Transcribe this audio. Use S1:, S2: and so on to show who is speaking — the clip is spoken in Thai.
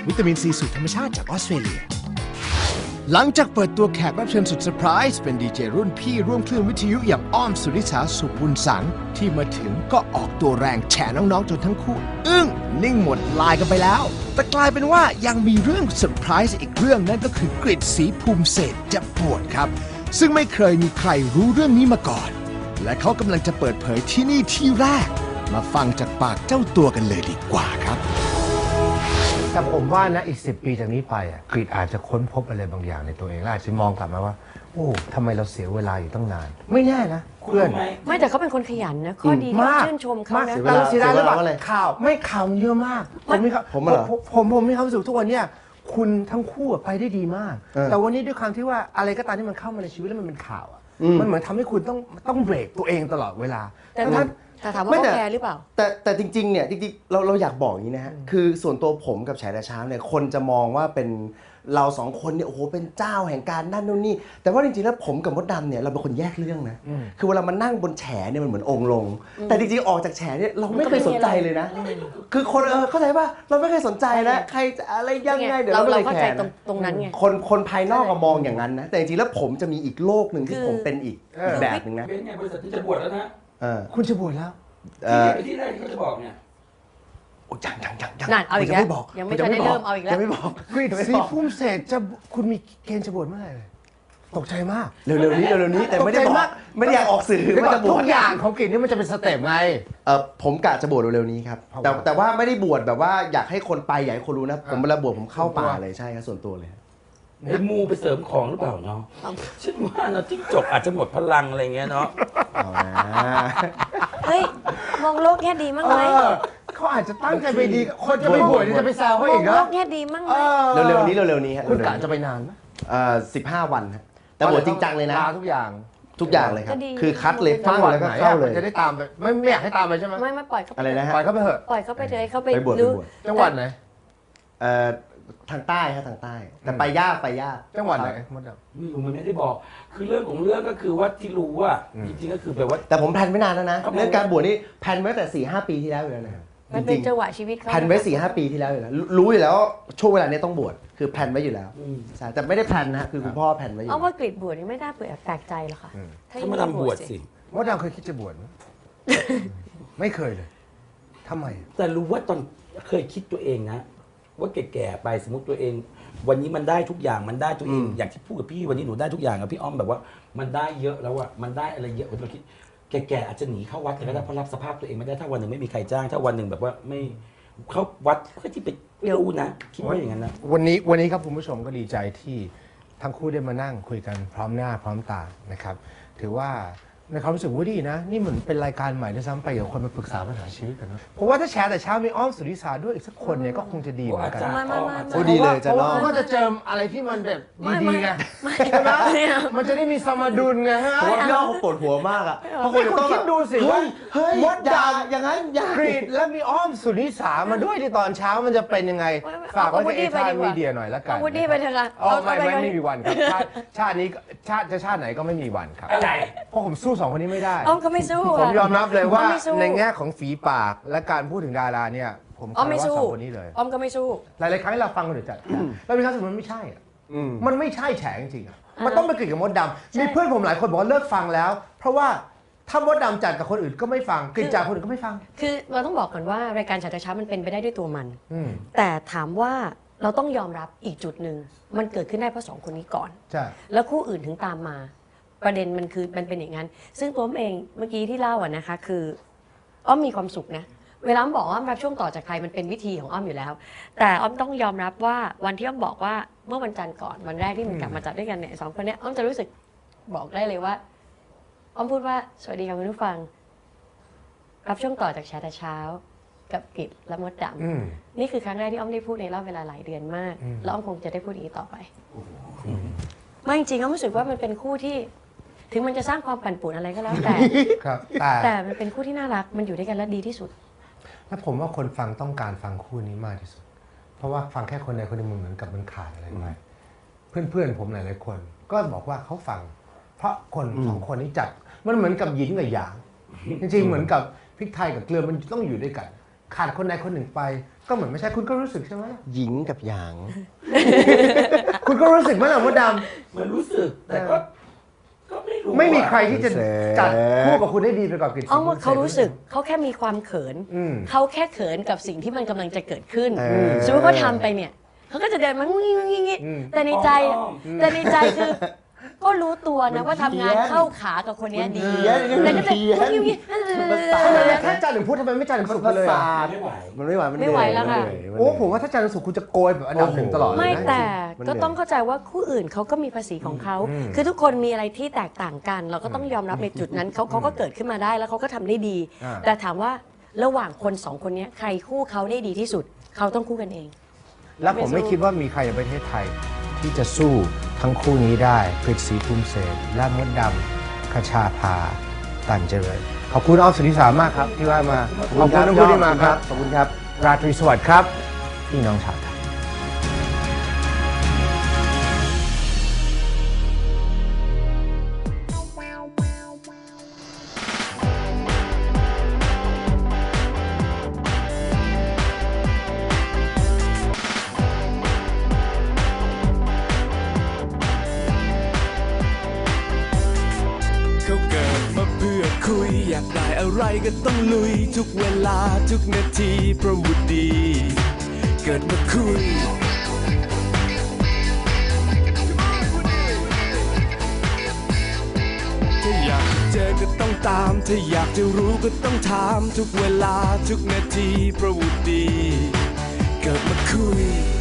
S1: วิตามินซีสูตรธรรมชาติจากออสเตรเลียหลังจากเปิดตัวแขกรับเชิญสุดเซอร์ไพรส์เป็นดีเจรุ่นพี่ร่วมคลื่นวิทยุอย่างอ้อมสุริษาสุขบุญสังที่มาถึงก็ออกตัวแรงแฉน้องๆจนทั้งคู่อึ้งนิ่งหมดลายกันไปแล้วแต่กลายเป็นว่ายังมีเรื่องเซอร์ไพรส์อีกเรื่องนั่นก็คือกฤษศรีภูมิเศรษฐ์จะปวดครับซึ่งไม่เคยมีใครรู้เรื่องนี้มาก่อนและเขากำลังจะเปิดเผยที่นี่ที่แรกมาฟังจากปากเจ้าตัวกันเลยดีกว่าครับแต่ผมว่านะอีก10 ปีจากนี้ไปกรีฑอาจจะค้นพบอะไรบางอย่างในตัวเองและอาจจะมองกลับมาว่าโอ้ทำไมเราเสียเวลาอยู่ตั้งนานไม่แน่นะเพื่อน
S2: ไม่แต่เขาเป็นคนขยันนะข้อดีที่ชื่นชมเขานะ
S1: แต่เราเสียดายหรือเปล่าข่าวไม่ข่าวเยอะมากผมมีความรู้สึกทุกวันเนี่ยคุณทั้งคู่ไปได้ดีมากแต่วันนี้ด้วยความที่ว่าอะไรก็ตามที่มันเข้ามาในชีวิตแล้วมันเป็นข่าวมันเหมือนทำให้คุณต้องเบรกตัวเองตลอดเวลา
S2: แต่ถามว่าเขาแคร์หรือเปล่า
S3: แต่จริงๆเนี่ยจริงๆเราอยากบอกอย่างนี้นะฮะคือส่วนตัวผมกับแฉแต่เช้าเนี่ยคนจะมองว่าเป็นเราสองคนเนี่ยโอ้โหเป็นเจ้าแห่งการนั่นนู่นนี่แต่ว่าจริงๆแล้วผมกับมดดำเนี่ยเราเป็นคนแยกเรื่องนะคือเวลามันนั่งบนแฉเนี่ยมันเหมือนองค์ลงแต่จริงๆออกจากแฉเนี่ยเราไม่เคยสนใจเลยนะคือคนเข้าใจป่ะเราไม่เคยสนใจนะใครจะอะไรยังไงเดี๋ยวเรา
S2: เข้าใจตรงนั้นไง
S3: คนภายนอกก็มองอย่างนั้นนะแต่จริงๆแล้วผมจะมีอีกโลกหนึ่งที่ผมเป็นอีกแบบหนึ่งนะ
S4: เป็นไงบริษัทที่จะบวชแล้วนะ
S1: คุณจะบวชแล้ว
S4: ที่แรกที่เขาจะบอกเนี่ย
S3: ยัง
S2: นั่นเอาอีกแล้วยังไม่ทันได้เริ่มเอาอีกแล้ว
S3: ยังไม่บอก
S1: กฤษศรีภูมิเศรษฐ์จะคุณมีเกณฑ์จะบวชเมื่อไหร่เลยตกใจมาก
S3: เร็วๆนี้แต่ไม่ได้บอกไม่ได้อยากออกสื่อว่าจะบวช
S1: ทุกอย่างของกฤษนี่มันจะเป็นสเต็ปไง
S3: ผมกะจะบวชเร็วๆนี้ครับแต่ว่าไม่ได้บวชแบบว่าอยากให้คนไปอยากให้คนรู้นะผมเวลาบวชผมเข้าป่าเลยใช่ครับส่วนตัวเลย
S4: ไปมูไปเสริมของหรือเปล่าเนาะฉันว่าเนาะจิ้งจกอาจจะหมดพลังอะไรเงี้ยเนาะ
S2: เฮ้ยมองโลกแง่ดีมั้งไหม
S1: เขาอาจจะตั้งใจไปดีคนจะไปบวชจะไปแซวเขาอีก
S2: นะมองโลกแง่ดีมั้งไหม
S3: เร็วๆนี้
S1: คุณกะจะไปนานไหม
S3: 15 วันครับแต่บวชจริงจังเลยนะ
S1: ทุกอย่าง
S3: เลยครับคือคัดเลยฟังแล้วก็เข้าเลย
S1: จะได้ตามไปไม่อยากให้ตามไปใช่ไหม
S2: ไม่ปล่อยเขา
S3: อะไรนะฮะ
S1: ปล่อยเขาไปเถอะ
S2: ปล่อยเขาไปเลยเขาไป
S3: ดู
S1: จังหวัดไหน
S3: ทางใต้ครับทางใต้แต่ไปยาก
S1: จังหวัดไหนมดดำ
S4: ไม่รู้มันไม่ได้บอกคือเรื่องของเรื่องก็คือว่าที่รู้ว่าจริงๆก็คือแบบว่า
S3: แต่ผมแพลนไว้นานแล้วนะเรื่องการบวชนี่แพลนไว้แต่ 4-5 ปีที่แล้วอยู่แล้วนะ
S2: มันเป็นจังหวะชีวิตเขา
S3: แพลนไว้ 4-5 ปีที่แล้วอยู่แล้วรู้อยู่แล้วช่วงเวลานี้ต้องบวชคือแพลนไว้อยู่แล้วใช่แต่ไม่ได้แพลนนะคือคุณพ่อแพลนไว้อยู่
S2: เอาว่ากฤษบวชนี่ไม่ได้เปิดแปลกใจหรอกค่ะ
S4: ถ้ามาทำบวชสิ
S1: มดดำเคยคิดจะบวชไหมไม่เคยเลยทำไม
S4: แต่รู้ว่าตอนเคยคิดตัวเองนะว่าแก่ๆไปสมมติตัวเองวันนี้มันได้ทุกอย่างมันได้ตัวเองอย่างที่พูดกับพี่วันนี้หนูได้ทุกอย่างกับพี่อ้อมแบบว่ามันได้เยอะแล้วอะมันได้อะไรเยอะเราคิดแก่ๆอาจจะหนีเข้าวัดก็ได้เพราะรับสภาพตัวเองไม่ได้ถ้าวันหนึ่งไม่มีใครจ้างถ้าวันหนึ่งแบบว่าไม่เข้าวัดเพื่อที่ไปเดี๋ยวนะคิดว่าอย่างนั้นนะ
S1: วันนี้ครับคุณผู้ชมก็ดีใจที่ทั้งคู่ได้มานั่งคุยกันพร้อมหน้าพร้อมตานะครับถือว่าในความรู้สึกว่าดีนะนี่เหมือนเป็นรายการใหม่ด้วยซ้ำไปกับคนมาปรึกษาปัญหาชีวิตกันนะเพราะว่าถ้าแชร์แต่เช้ามีอ้อมสุริศาด้วยอีกสักคนเนี่ยก็คงจะดีเหมือนกัน
S3: ดีเลยจะลอง
S1: ก็จะเจออะไรที่มันแบบดีๆไงมันจะได้มีสมดุลไงฮะ
S3: เพราะว่าพี่อ้อมเขาปวดหัวมากอ่ะเพราะคน
S1: ต้องคิดดูสิว่ามดด
S3: ำอย่างนั้น
S1: กรีดและมีอ้อมสุริศามาด้วยที่ตอนเช้ามันจะเป็นยังไงฝากไว้กับเอทานมีเดียหน่อยละกัน
S2: วุฒิไปเถอะค่ะ
S1: ไม่มีวันครับชาตินี้ชาติไหนก็ไม่มีวันครับเพราะผมสู้2 คนนี้ไม่ได้
S2: อ้อมก็ไม่สู้
S1: ผมยอมรับเลยว่าในแง่ของฝีปากและการพูดถึงดาราเนี่ยผม
S2: อ้อมไม่สู้
S1: คนนี้เลย
S2: อ้อมก็ไม่สู้
S1: หลายๆครั้งเราฟังคนอื่นจัดแล้วมีครั้งสุดมันไม่ใช่มันไม่ใช่แฉจริงๆมันต้องไปเกิดกับมดดำมีเพื่อนผมหลายคนบอกว่าเลิกฟังแล้วเพราะว่าถ้ามดดำจัดกับคนอื่นก็ไม่ฟังกลิ่นจากคนอื่นก็ไม่ฟัง
S2: คือเราต้องบอกก่อนว่ารายการฉัตรเช้ามันเป็นไปได้ด้วยตัวมันแต่ถามว่าเราต้องยอมรับอีกจุดหนึ่งมันเกิดขึ้นได้เพราะ2 คนนี้ก่อนแล้วคู่อื่นถึงตามมาประเด็นมันคือมันเป็นอย่างนั้นซึ่งตัวผมเองเมื่อกี้ที่เล่าอะนะคะคืออ้อมมีความสุขนะเวลาอ้อมบอกว่าอ้อมรับช่วงต่อจากใครมันเป็นวิธีของอ้อมอยู่แล้วแต่อ้อมต้องยอมรับว่าวันที่อ้อมบอกว่าเมื่อวันจันทร์ก่อนวันแรกที่มันกลับมาจัดด้วยกันเนี่ย2 คนเนี้ยอ้อมจะรู้สึกบอกได้เลยว่าอ้อมพูดว่าสวัสดีค่ะคุณผู้ฟังรับช่วงต่อจากแชร์แต่เช้ากับกฤษและมดดำนี่คือครั้งแรกที่อ้อมได้พูดในรอบเวลาหลายเดือนมากแล้วอ้อมคงจะได้พูดอย่างนี้ต่อไปไม่จริงอ้อมรู้สึกว่ามันเป็นคู่ที่ถึงมันจะสร้างความปั่นป่วนอะไรก็แล้วแต่มันเป็นคู่ที่น่ารักมันอยู่ด้วยกันแล้วดีที่สุด
S1: และผมว่าคนฟังต้องการฟังคู่นี้มากที่สุดเพราะว่าฟังแค่คนใดคนหนึ่งเหมือนกับมันขาดอะไรไปเพื่อนผมหลายๆคนก็บอกว่าเขาฟังเพราะคน2 คนนี้จัดมันเหมือนกับหยินกับหยางจริงๆเหมือนกับพริกไทยกับเกลือมันต้องอยู่ด้วยกัน
S5: ขาดคนใดคนหนึ่งไปก็เหมือนไม่ใช่คุณก็รู้สึกใช่ไหม
S3: หญิงกับหยาง
S5: คุณก็รู้สึกไหมล่ะมดด
S4: มันรู้สึกแต่ก็ไม่รู้
S5: ำไม่มีใครที่จะ
S3: เสก
S5: จัดคู่กับคุณได้ดีไปกว่ากฤษ
S2: เอาว่า
S5: ณ
S2: เขารู้สึกเขาแค่มีความเขิน
S5: อืม
S2: เขาแค่เขินกับสิ่งที่มันกำลังจะเกิดขึ้น
S3: ม
S2: สมมติเขาทำไปเนี่ยเขาก็จะเดินมางี้แต่ในใจคือ ก็รู้ตัวนะว่าทำงานเข้าขากับคนเนี้ยดีแต่ก็จะงี้
S5: ถ้าจันทร์หนึ่งพูดทำไมไม่จันทร์หนึ่งสุขไปเลยอะ
S4: ไม่ไหว
S3: มันไม่ไหวมัน
S2: ไม่ไหวแล้วค่ะ
S5: โอ้ผมว่าถ้าจันทร์หนึ่งสุขคุณจะโกยแบบอันดับหนึ่งตลอดเลยนะ
S2: ไม่แต่
S3: มัน
S2: ก็ต้องเข้าใจว่าคู่อื่นเขาก็มีภาษีของเขา คือทุกคนมีอะไรที่แตกต่างกัน เราก็ต้องยอมรับในจุดนั้นเขาก็เกิดขึ้นมาได้แล้วเขาก็ทำได้ดี แต่ถามว่าระหว่างคนสองคนนี้ใครคู่เขาได้ดีที่สุดเขาต้องคู่กันเอง
S5: แล้วผมไม่คิดว่ามีใครในประเทศไทยที่จะสู้ทั้งคู่นี้ได้กฤษศรีภูมิเศรษฐ์และมดดำคชาภาตันเจริญขอบคุณอ้อมสุนิสามากครับที่ว่ามาขอบคุณทั้งคู่ที่มาครับ
S3: ขอบคุณครับ
S5: ราตรีสวัสดิ์ครับพี่น้องชาวไทย
S6: เขาเกิดมาเพื่อคุยอยากได้อะไรก็ต้องลุยทุกเวลาทุกนาทีเพราะวุดีเกิดมาคุยถ้าอยากเจอก็ต้องตามถ้าอยากจะรู้ก็ต้องถามทุกเวลาทุกนาทีเพราะวุดีเกิดมาคุย